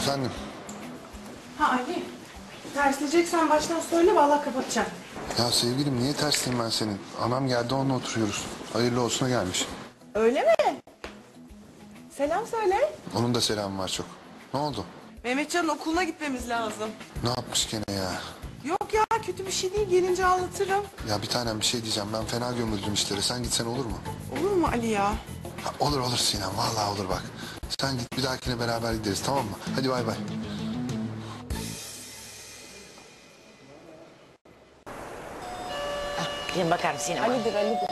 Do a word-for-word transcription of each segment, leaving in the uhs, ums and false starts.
Efendim? Ha Ali, tersleyeceksen baştan söyle, vallahi kapatacağım. Ya sevgilim niye tersliyim ben senin? Anam geldi onunla oturuyoruz. Hayırlı olsuna gelmiş. Öyle mi? Selam söyle. Onun da selamı var çok. Ne oldu? Mehmetcan'ın okuluna gitmemiz lazım. Ne yapmış gene ya? Yok ya, kötü bir şey değil, gelince anlatırım. Ya bir tanem bir şey diyeceğim. Ben fena gömüldüm işlere. Sen gitsen olur mu? Olur mu Ali ya? Ha, olur olur Sinem. Vallahi olur bak. Sen git, bir dahakine beraber gideriz, tamam mı? Hadi bay bay. Gidin bakar mısın sinema? Ali'dir, Ali'dir.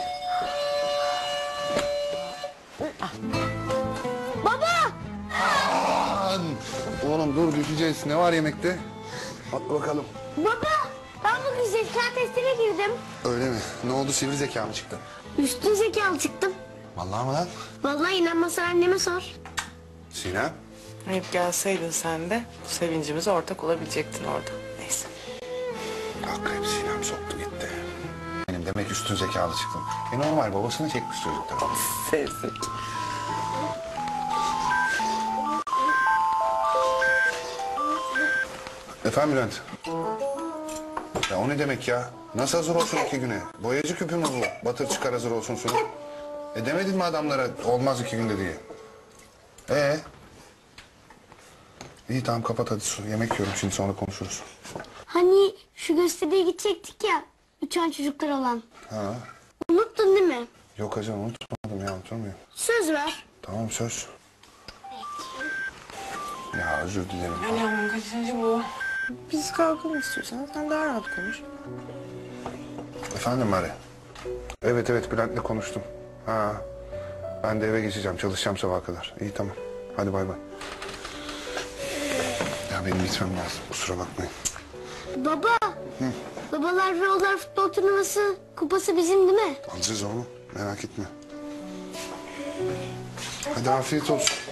Aman! Oğlum dur, düşeceğiz. Ne var yemekte? Atla bakalım. Baba, ben bugün zeka testine girdim. Öyle mi? Ne oldu, sivri zeka mı çıktı? Üstün zekalı çıktım. Vallahi mı lan? Vallahi inanmazsan anneme sor. Sinem? Hep gelseydin sen de sevincimize ortak olabilecektin orada. Neyse. Akrep Sinem soktu gitti. Benim demek üstün zekalı çıktım. E normal, babasını çekmiş çocuklar. Sevsin. Efendim Bülent? Ya o ne demek ya? Nasıl hazır olsun iki güne? Boyacı küpü mü bu? Batır çıkar hazır olsun sunu. E demedin mi adamlara olmaz iki günde diye? Ee? İyi tamam, kapat hadi su. Yemek yiyorum şimdi, sonra konuşuruz. Hani şu gösteriye gidecektik ya, uçan çocuklar olan. Ha? Unuttun değil mi? Yok hacı, unutmadım ya, unutur muyum? Söz ver. Tamam, söz. Ya özür dilerim. Ali aman kaçıncı bu? Biz kalkalım istiyorsan, sen daha rahat konuş. Efendim Mari? Evet evet, Bülent'le konuştum. Ha. Ben de eve geçeceğim, çalışacağım sabaha kadar. İyi tamam. Hadi bay bay. Ya benim gitmem lazım, kusura bakmayın. Baba, babalar ve oğullar futbol turnuvası kupası bizim değil mi? Alacağız oğlum, merak etme. Hadi afiyet olsun.